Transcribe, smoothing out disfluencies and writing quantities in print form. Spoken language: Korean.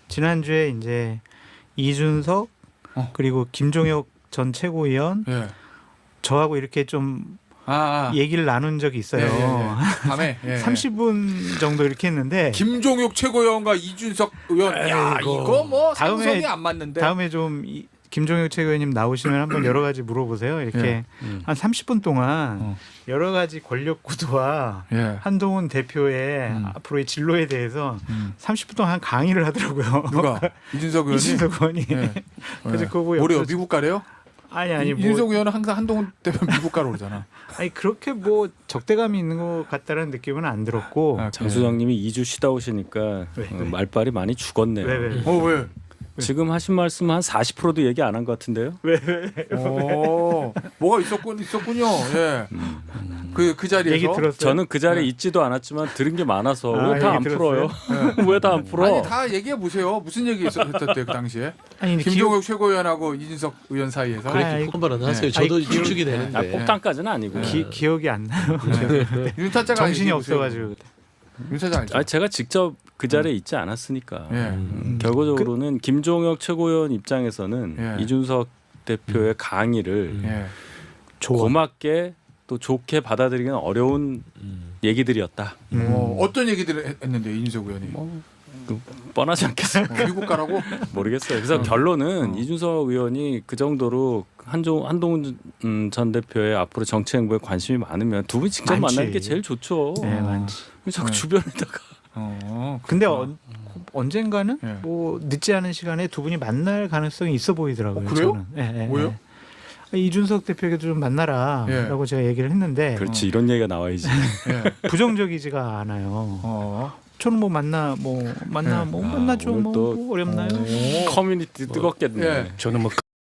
지난주에 이제 이준석 그리고 김종혁 전 최고위원 예. 저하고 이렇게 좀 아. 얘기를 나눈 적이 있어요. 밤에 30분 정도 이렇게 했는데 김종욱 최고위원과 이준석 의원. 야, 이거 뭐 상성이 안 맞는데. 다음에 좀 김종혁 최고위원님 나오시면 한번 여러 가지 물어보세요. 이렇게 한 30분 동안 여러 가지 권력 구도와 한동훈 대표의 앞으로의 진로에 대해서 30분 동안 강의를 하더라고요. 누가? 이준석 의원이? 이준석 의원이. 그래서 그거 보고 뭐래요? 미국 가래요? 아니 이준석 의원은 항상 한동훈 대표 미국 가러 오잖아. 아니 그렇게 뭐 적대감이 있는 것 같다는 느낌은 안 들었고. 장 소장님이 2주 쉬다 오시니까 말빨이 많이 죽었네요. 왜? 왜? 지금 하신 말씀 한 40%도 얘기 안 한 것 같은데요? 왜? 뭐가 있었군요. 예. 그 자리에서 얘기 들었어요. 저는 그 자리에 있지도 않았지만 들은 게 많아서 왜 다 안 얘기 풀어요? 왜 다 안 풀어? 아니 다 얘기해 보세요. 무슨 얘기 있었대 그 당시에? 아니 김종욱 최고위원하고 이준석 의원 사이에서. 그래, 한번 하세요. 저도 추측이 되는데. 아, 폭탄까지는 아니고. 기억이 안 나요. 윤타짜가 정신이 없어가지고. 윤타짜 알죠? 아, 제가 직접 그 자리에 있지 않았으니까. 예. 결과적으로는 김종혁 최고위원 입장에서는 이준석 대표의 강의를 고맙게 또 좋게 받아들이기는 어려운 얘기들이었다. 어떤 얘기들을 했는데 이준석 의원이? 뻔하지 않겠어요? 미국 가라고? 모르겠어요. 그래서 결론은 이준석 의원이 그 정도로 한동훈 전 대표의 앞으로 정치 행보에 관심이 많으면 두 분이 직접 많지. 만나는 게 제일 좋죠. 네, 많지. 자꾸 주변에다가. 근데 언젠가는 예. 뭐 늦지 않은 시간에 두 분이 만날 가능성이 있어 보이더라고요. 그래요? 저는. 뭐요? 이준석 대표에게도 좀 만나라라고 제가 얘기를 했는데 그렇지 이런 얘기가 나와야지. 부정적이지가 않아요. 저는 뭐 만나죠. 오늘 뭐 또 어렵나요? 커뮤니티 뜨겁겠네. 예. 저는 뭐